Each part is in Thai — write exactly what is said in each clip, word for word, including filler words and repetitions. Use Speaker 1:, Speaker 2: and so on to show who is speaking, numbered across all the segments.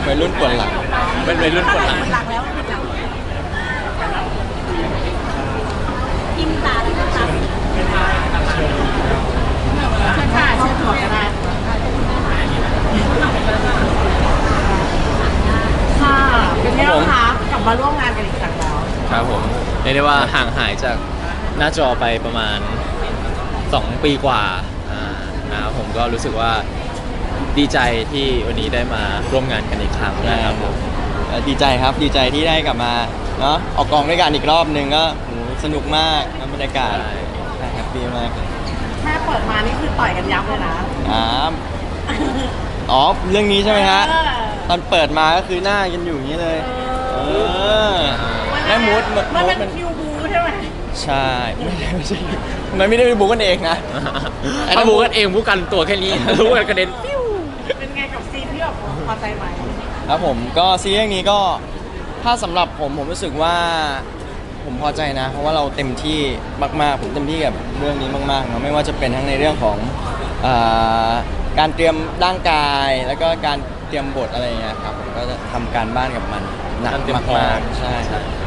Speaker 1: วัยรุ่นปวดหลัง
Speaker 2: เป็นวัยรุ่นปวดหลัง
Speaker 3: หลังแล้วกินตาเลยนะคะใช่ค่ะเชื่อถั่วก็ได้ค่ะเป็นไงบ้างคะกลับมาร่วมงานกันอีกครั้งแล้ว
Speaker 2: ครับผมเรียกได้ว่าห่างหายจากหน้าจอไปประมาณสองปีกว่าอ่านะครับผมก็รู้สึกว่าดีใจที่วันนี้ได้มาร่วมงานกันอีกครั้งนะครับผม
Speaker 1: ดีใจครับดีใจที่ได้กลับมาเนาะออกกองด้วยกันอีกรอบนึงก็สนุกมากบรรยากาศแฮปปี้มาก
Speaker 3: แค่เปิดมานี่คือต่อยกันยับเลยนะ
Speaker 1: อ๋ออ๋อเรื่องนี้ใช่ไหมฮะตอนเปิดมาก็คือหน้ากันอยู่อย่างนี้เลยเออแม่มูด
Speaker 3: มันเป็นคิวบูใช่ไหม
Speaker 1: ใช่ไม่ใช่ไม่ใช่มันไม่ได้บูกันเองนะ
Speaker 2: ถ้าบูกันเองบูกันตัวแค่นี้รู้กันกระเด็นปิ้ว
Speaker 3: เป็นไงกับซีนที่แบบพอใจไหม
Speaker 1: ครับผมก็ซีรีส์นี้ก็ถ้าสำหรับผมผมรู้สึกว่าผมพอใจนะเพราะว่าเราเต็มที่มากๆผมเต็มที่กับเรื่องนี้มากๆเนาะไม่ว่าจะเป็นทั้งในเรื่องของการเตรียมร่างกายแล้วก็การเตรียมบทอะไรเงี้ยครับผมก็จะทำการบ้านกับมันหนักมากๆใช่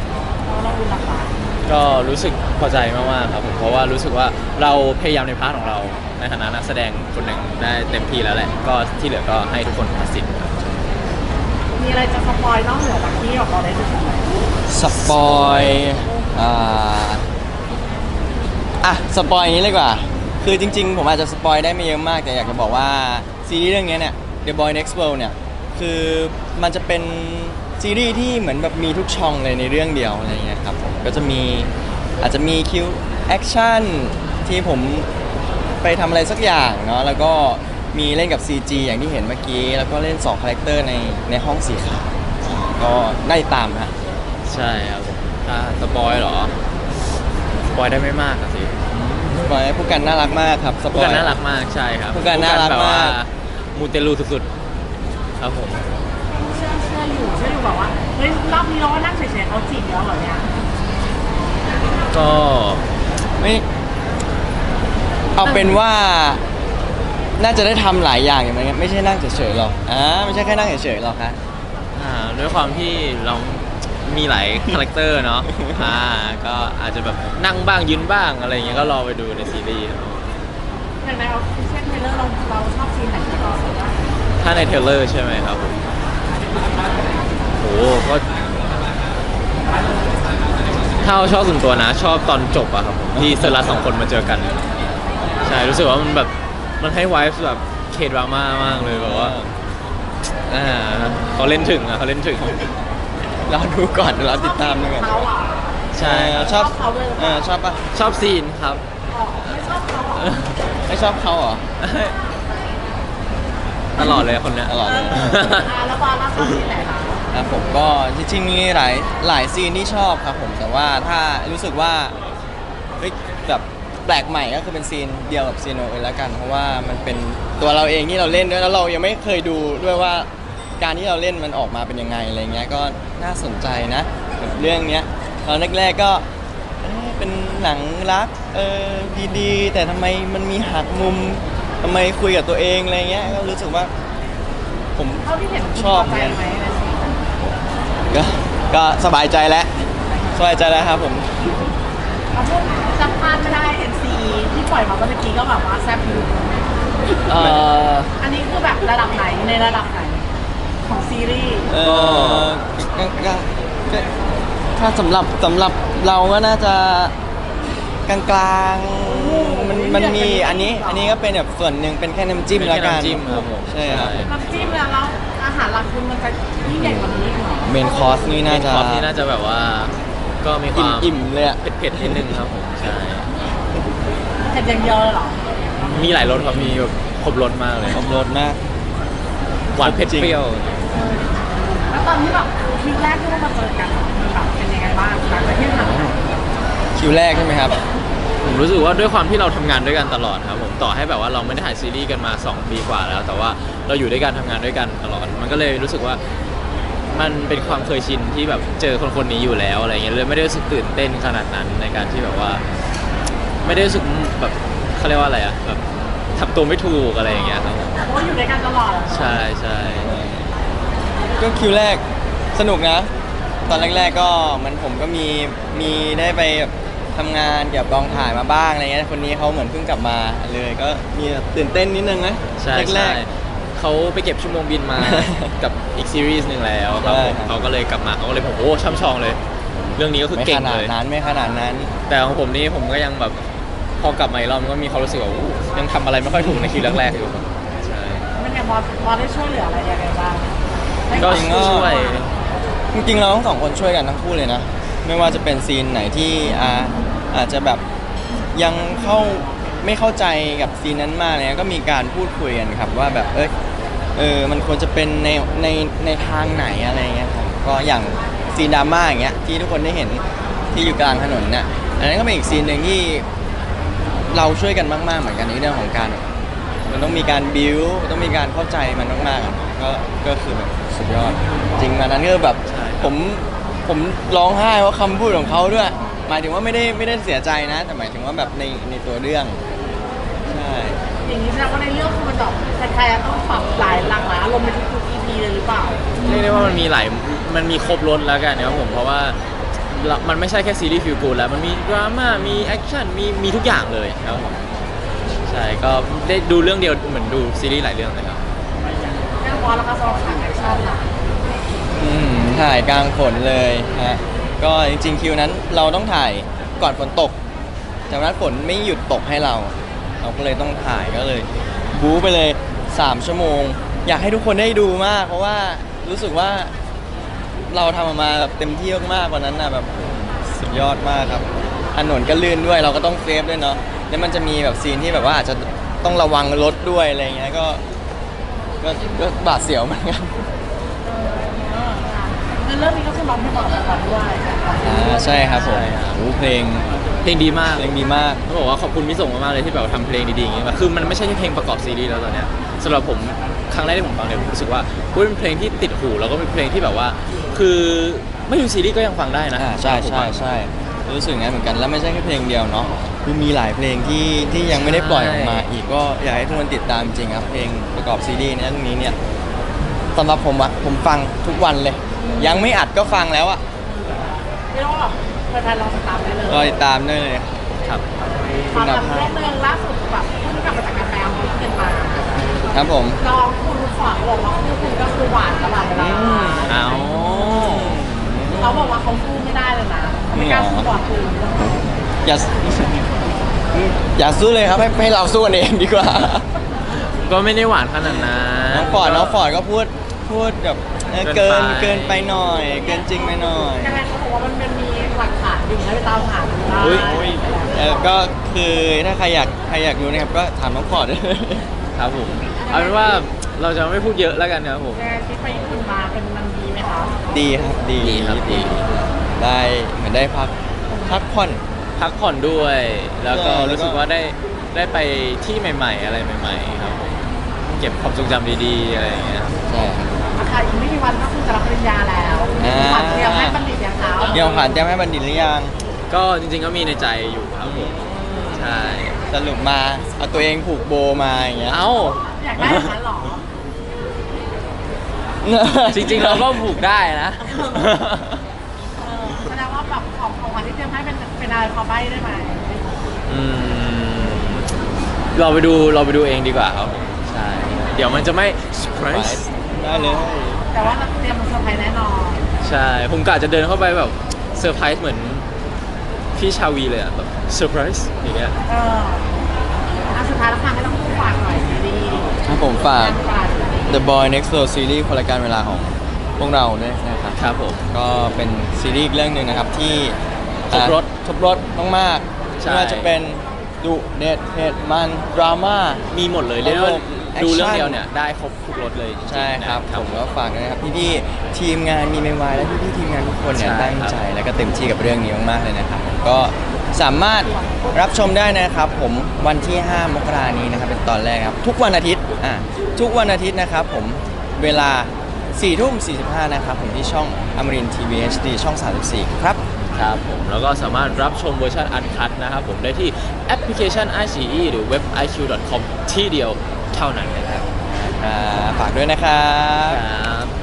Speaker 2: ก็รู้สึกพอใจมากๆครับผมเพราะว่ารู้สึกว่าเราพยายามในพาร์ทของเราในฐานะนักแสดงคนหนึ่งได้เต็มที่แล้วแหละก็ที่เหลือก็ให้ทุกคนตัดสิน
Speaker 3: มีอะไรจะสปอยนอกเหนือจากที่เราได้ดูไหม
Speaker 1: สปอยอ่าอ่ะสปอยอย่างนี้เลยกว่าคือจริงๆผมอาจจะสปอยได้ไม่เยอะมากแต่อยากจะบอกว่าซีรีส์เรื่องนี้เนี่ย The Boy Next World เนี่ยคือมันจะเป็นซีรีส์ที่เหมือนแบบมีทุกช่องเลยในเรื่องเดียวอะไรเงี้ยครับผมก็จะมีอาจจะมีคิวแอคชั่นที่ผมไปทำอะไรสักอย่างเนาะแล้วก็มีเล่นกับ ซี จี อย่างที่เห็นเมื่อกี้แล้วก็เล่นสองคาแรคเตอร์ในในห้องสีขาวก็ได้ตามฮะ
Speaker 2: ใช่ครับถ้าสปอยเหรอสปอยได้ไม่มากสิ
Speaker 1: สปอยผู้กันน่ารักมากครับสปอย
Speaker 2: ผู้กันน่ารักมากใช่ครับ
Speaker 1: ผู้กันน่ารักมาก
Speaker 2: มูเตลูสุดๆครับผม
Speaker 3: เชื่อเชื่ออยู่เชื่ออยู่บอกว่าเฮ้ยรอบนี้เราก็นั่งเฉยๆเขาจีบแล้วเหรอเนี่ย
Speaker 2: ก็
Speaker 1: ไม่เอาเป็นว่าน่าจะได้ทำหลายอย่างอย่างไรไม่ใช่นั่งเฉยๆหรอกอ่าไม่ใช่แค่นั่งเฉยๆหรอกฮะ
Speaker 2: อ่าด้วยความที่เรามีหลายคาแรคเตอร์เนาะอ่าก็อาจจะแบบนั่งบ้างยืนบ้างอะไรอย่างเงี้ยก็รอไปดูในซีรีส์
Speaker 3: อย่างในเอาเช่นเทเลอร์เราเราชอบซีนไหนที่เราสุดว่า
Speaker 2: ถ้าในเทเลอร์ใช่ไหมครับผมโหก็ถ้าชอบส่วนตัวนะชอบตอนจบอะครับที่เซอร์รัสสองคนมาเจอกันใช่รู้สึกว่ามันแบบมันให้ไวฟ์แบบเคดราม่ามากเลยแบบว่าอ่าเขาเล่นถึงอะเขาเล่นถึง
Speaker 1: เราดูก่อนเราติดตามด้วยกันใช่ชอบเออชอบปะ
Speaker 2: ชอบซีนครับ
Speaker 3: ไม่ชอบเขา
Speaker 1: ไม่ชอบเขาเหรอ
Speaker 2: ตลอดเลยคนเนี้ย
Speaker 1: ตลอดเลย
Speaker 3: แล้วบอลชอบซีนไหนคะ
Speaker 1: ครับผมก็จริงๆมีหลายหลายซีนที่ชอบครับผมแต่ว่าถ้ารู้สึกว่าเฮ้ยแบบแปลกใหม่ก็คือเป็นซีนเดียวกับซีนโอเอลแล้วกันเพราะว่ามันเป็นตัวเราเองที่เราเล่นด้วยแล้วเรายังไม่เคยดูด้วยว่าการที่เราเล่นมันออกมาเป็นยังไงอะไรเงี้ยก็น่าสนใจนะเรื่องเนี้ยตอนแรกๆก็เป็นหนังรักเออดีๆแต่ทำไมมันมีหักมุมทำไมคุยกับตัวเองอะไรเงี้ยก็รู้สึกว่าผมชอบเนี่ยก็ก็สบายใจแล้วสบายใจแล้วครับผม
Speaker 3: จำพลาดไม่ได้ เอ็น ซี ที่ปล่อยมาเมื่อกี้ก็แบบว่าแซ่บอยู่อันนี้คือแบบระดับไหนในระดับไหนของซีรีส์
Speaker 1: เออถ้าสำหรับสำหรับเราก็น่าจะกลางๆมันมันมีอันนี้อันนี้ก็เป็นแบบส่วนหนึ่งเป็นแค่น้ำจิ้มแล้วกันใช่ครับ
Speaker 3: น้ำจิ้มแล้วอาหารหลักคุณมันจะยิ่งใหญ่กว่านี้เหรอ
Speaker 1: เมนคอร์สนี่น่าจะ
Speaker 2: คอร์สนี่น่าจะแบบว่าก็มีความ
Speaker 1: อิ่มเลยอะ
Speaker 2: เผ็ดๆนิดนึงครับผมใช่
Speaker 3: เผ็ดอย่างเดียวเลยเหรอ
Speaker 2: มีหลายรสครับมีแบบครบรสมากเลย
Speaker 1: ครบรสมาก
Speaker 2: หวานเผ็ดเปรี้ยว
Speaker 3: แล้วตอนที่แบบคิวแรกที่เรามาเจอกันแบบเป็นยังไงบ้างหลังจากที่ทำ
Speaker 1: คิวแรกใช่ไหมครับ
Speaker 2: ผมรู้สึกว่าด้วยความที่เราทำงานด้วยกันตลอดครับผมต่อให้แบบว่าเราไม่ได้ถ่ายซีรีส์กันมาสองปีกว่าแล้วแต่ว่าเราอยู่ด้วยกันทำงานด้วยกันตลอดมันก็เลยรู้สึกว่ามันเป็นความเคยชินที่แบบเจอคนคนนี้อยู่แล้วอะไรเงี้ยเลยไม่ได้รู้สึกตื่นเต้นขนาดนั้นในการที่แบบว่าไม่ได้รู้สึกแบบเขาเรียกว่าอะไรอะแบบทำตัวไม่ถูกอะไรอย่างเงี้ยครับ
Speaker 3: เพราะอยู่ด้วยกันตลอด
Speaker 2: ใช่ใช่
Speaker 3: แ
Speaker 1: ก็คิวแรกสนุกนะ ตอนแรกๆก็เหมันผมก็มีมีได้ไปแบบทำงานเกี่ยวกับกองถ่ายมาบ้างอะไรเงี้ยคนนี้เขาเหมือนเพิ่งกลับมาเลยก็มีตื่นเต้นนิดนึงนะ
Speaker 2: ใช่
Speaker 1: แร
Speaker 2: ใช่
Speaker 1: ก
Speaker 2: เขาไปเก็บชั่วโมงบินมา กับอีกซีรีส์หนึ่งแล้วครับผม
Speaker 1: ใช่ครับ
Speaker 2: เขาก็เลยกลับมาเขาก็เลยผมโอ้ช่ำชองเลย เรื่องนี้ก็
Speaker 1: ๆ
Speaker 2: คือ
Speaker 1: ไม่
Speaker 2: เก่
Speaker 1: ข
Speaker 2: ง
Speaker 1: นา
Speaker 2: เล
Speaker 1: ด
Speaker 2: ย
Speaker 1: นั้นไม่ขนาดนั้น
Speaker 2: แต่ของผมนี่ผมก็ยังแบบพอกลับมาอีกรอบมันก็มีความรู้สึกว่าอู้ยังทำอะไรไม่ค่อยถูกในคิวแรกๆอยู่ใช่
Speaker 3: มันยังพอพอได้ช่วยเหลืออะไรยังไงบ้างให้
Speaker 2: ก็
Speaker 3: ความ
Speaker 2: ช่วย
Speaker 1: จริงๆเราทั้งสองคนช่วยกันทั้งคู่เลยนะ ไม่ว่าจะเป็นซีนไหนที่อาอาจจะแบบยังเข้าไม่เข้าใจกับซีนนั้นมากเนี่ยก็มีการพูดคุยกันครับว่าแบบเอยเออมันควรจะเป็นในในในทางไหนอะไรเงี้ยครับก็อย่างซีนดราม่าอย่างเงี้ยที่ทุกคนได้เห็นที่อยู่กลางถนนน่ะอันนั้นก็เป็นอีกซีนหนึ่งที่เราช่วยกันมากๆเหมือนกันในเรื่องของการแบบมันต้องมีการบิวต้องมีการเข้าใจมันมากๆอะก็ก็คือแบบสุดยอดจริงมานั้นก็แบบ
Speaker 2: ใช่ครับ
Speaker 1: ผมผมร้องไห้เพราะคำพูดของเขาด้วย หมายถึงว่าไม่ได้ไม่ได้เสียใจนะ แต่หมายถึงว่าแบบในในตัวเรื่องใช่
Speaker 3: อย่างนี้แสดงว่าในเรื่องคือมันแบบใครๆต้องปรับหลายหลากหลายอารมณ์ในทุกๆ อี พี เลยหรือเปล่า
Speaker 2: เรียกได้ว่ามันมีหลายมันมีครบรถแล้วกันนะครับผมเพราะว่าเรามันไม่ใช่แค่ซีรีส์ฟิลกูดแล้วมันมีดราม่ามีแอคชั่นมีมีทุกอย่างเลยครับผมใช่ก็ได้ดูเรื่องเดียวเหมือนดูซีรีส์หลายเรื่องเลยครับ
Speaker 3: แน่นอนแล้วก็สำหรับฉากแอคชั่นล่ะ
Speaker 1: อืมถ่ายกลางฝนเลยฮะก็จริงๆคิวนั้นเราต้องถ่ายก่อนฝนตกจากนั้นฝนไม่หยุดตกให้เรา เราก็เลยต้องถ่ายก็เลย บู๊ไปเลยสามชั่วโมง อยากให้ทุกคนได้ดูมาก เพราะว่ารู้สึกว่าเราทำออกมาแบบเต็มที่มากๆกว่านั้นนะแบบสุดยอดมากครับถนนก็ลื่นด้วยเราก็ต้องเซฟด้วยเนาะแล้วมันจะมีแบบซีนที่แบบว่าอาจจะต้องระวังรถด้วยอะไรเงี้ยก็ก็ก็บาดเสียวเหมือนกัน
Speaker 3: ในเรื่องนี้ก็คือร้องเพลงประกอบละครด้วย
Speaker 1: อ่าใช่ครับผม
Speaker 2: ใช่ครับ
Speaker 1: โอ้เพลง
Speaker 2: เพลงดีมาก
Speaker 1: เพลงดีมาก
Speaker 2: ต้องบอกว่าขอบคุณพี่ส่งมากๆเลยที่แบบทำเพลงดีๆอย่างเงี้ยคือมันไม่ใช่แค่เพลงประกอบซีรีส์แล้วตอนเนี้ยสำหรับผมครั้งแรกที่ผมฟังเนี่ยผมรู้สึกว่าเฮ้ยเป็นเพลงที่ติดหูแล้วก็เป็นเพลงที่แบบว่า คือไม่ดูซีรีส์ก็ยังฟังได้นะ
Speaker 1: อ่าใช่
Speaker 2: ผม
Speaker 1: ใช่
Speaker 2: ว่า
Speaker 1: ใช่รู้สึกงั้นเหมือนกันแล้วไม่ใช่แค่เพลงเดียวเนาะคือมีหลายเพลงที่ที่ยังไม่ได้ปล่อยออกมา อีกก็อยากให้ทุกคนติดตามจริงครับเพลงประกอบซีรีส์เนี่ยเรื่องนี้เนี่ยสำหรับผมอะผมฟังทุกวันเลย ยังไม่อัดก็ฟังแล้วอะ
Speaker 3: เรียกว่าแบบแฟนๆลองติดตามได้เลย
Speaker 1: รอติดตามได้เลย
Speaker 2: ครับ
Speaker 3: ความแบบเรื่องหนึงล่าสุดแบบเพิ่งกลับมาจากการแปลของที่เกินมา
Speaker 1: ครับผม
Speaker 3: ลองคุณฝากบอกว่าคู่คุณก็คือหวานตลอดเวลา
Speaker 2: เอา
Speaker 3: เขาบอกว่าเขาสู้ไม่ได้เลยนะเขาไม่กล้าสู้กว่าคุณ
Speaker 1: อย่าอย่าสู้เลยครับให้ให้เราสู้กันเองดีกว่า
Speaker 2: ก็ไม่ได้หวานขนาดนั้น
Speaker 1: น้องฟอร์ดน้องฟอร์ดก็พูดพูดแบบเออ
Speaker 2: เกิ
Speaker 1: เกิน
Speaker 2: นไป
Speaker 1: เกินไปหน่อย เกินจริงไปหน่อย
Speaker 3: ยังไงเขาบอกว่ามันมันมีหลักฐานอยู่ให้ไปตามหาดูได้
Speaker 2: อุ๊ย
Speaker 1: เออก็คือถ้าใครอยากใครอยากรู้นะครับก็ถามน้องฟอร์ด
Speaker 2: ครับผมเอาเป็นว่าเราจะไม่พูดเยอะแล้วกันครับผม
Speaker 3: ยังไงที่ไปญี่ปุ่นมาเป็นมันดีไหมคะ
Speaker 1: ดีครับดี
Speaker 2: ดีครับดี
Speaker 1: ได้เหมือนได้พักพักผ่อน
Speaker 2: พักผ่อนด้วย แล้วก็
Speaker 1: ใช่แล้วก็
Speaker 2: รู้สึกว่าได้ได้ไปที่ใหม่ ๆ อะไรใหม่ ๆ ครับผมเก็บความทรงจำดีๆอะไรอย่างเงี้ยครับ
Speaker 1: ใช่ครับ
Speaker 3: อาคารอีกไม่กี่วันก็คือจะรับปริญญาแล้ว
Speaker 1: อ่า
Speaker 3: ขวัญเตรียมให้บัณฑิตอย่างเขา
Speaker 1: เกี่ยวผ่านแจ้งให้บัณฑิตหรือยัง
Speaker 2: ก็จริงๆก็มีในใจอยู่ครับผมใช่
Speaker 1: สรุปมาเอาตัวเองผูกโบมาอย่างเงี้ย
Speaker 2: เอ้า
Speaker 3: อยากได้อย่างนั้นเหรอ
Speaker 2: จริงๆเราก็ผูกได้นะ
Speaker 3: เออแสดงว่าแบบของของขวัญที่เตรียมให้เป็นเป็นอะไรพอใบ้ได้ไหม
Speaker 2: อืมเราไปดูเราไปดูเองดีกว่าครับผมใช่เดี๋ยวมันจะไม่เซอร์ไพรส์
Speaker 1: ได้เลย
Speaker 3: แต่ว่าเราเตรียมมันเซอร์ไพรส์แน่นอน
Speaker 2: ใช่ผมกะจะเดินเข้าไปแบบเซอร์ไพรส์เหมือนพี่ชาวีเลยอะแบบเซอร์ไพรส์อย่างเงี้ย
Speaker 3: เอออันสุดท้ายแล้วค่ะให้ต้องพูดฝากหน่อยซีรีส์
Speaker 1: ครับผมฝาก
Speaker 3: งานฝาก
Speaker 1: The Boy Next Door Series คนละการเวลาของพวกเราด้วยนะครับ
Speaker 2: ครับผม
Speaker 1: ก็เป็นซีรีส์อีกเรื่องหนึ่งนะครับที่
Speaker 2: ครบรส
Speaker 1: อ่ะครบรถมากๆ
Speaker 2: ใช่
Speaker 1: ไม่ว่าจะเป็นดุเด็ดเผ็ดมันดราม่า
Speaker 2: มีหมดเลยเรียกว่า
Speaker 1: แอคชั่น
Speaker 2: ดูเรื่องเดียวเนี่ยได้ครบทุกรสเลยจงๆ
Speaker 1: ใช่ครับ
Speaker 2: นะ
Speaker 1: ผมก็ฝากด้วยนะครับพี่ๆทีมงานมีเมวายและพี่ๆทีมงานทุกคนเนี่ย
Speaker 2: ใช่
Speaker 1: ตั้ง
Speaker 2: ครับ
Speaker 1: ใจและก็เต็มที่กับเรื่องนี้มากๆเลยนะครับก็สามารถรับชมได้นะครับผมวันที่ ห้ามกรานี้นะครับเป็นตอนแรกครับทุกวันอาทิตย์อ่ะทุกวันอาทิตย์นะครับผมเวลาสี่ทุ่มสี่สิบห้านะครับผมที่ช่องอมรินทีวีเอชดีช่องสามสิบสี่ครับ
Speaker 2: ครับผมแล้วก็สามารถรับชมเวอร์ชันอันคัดนะครับผมได้ที่แอปพลิเคชัน ไอ ซี อี หรือเว็บ ไอ คิว ดอท คอม ที่เดียวเท่านั้นนะครับ
Speaker 1: อ่าฝากด้วยนะครับ
Speaker 2: ครับ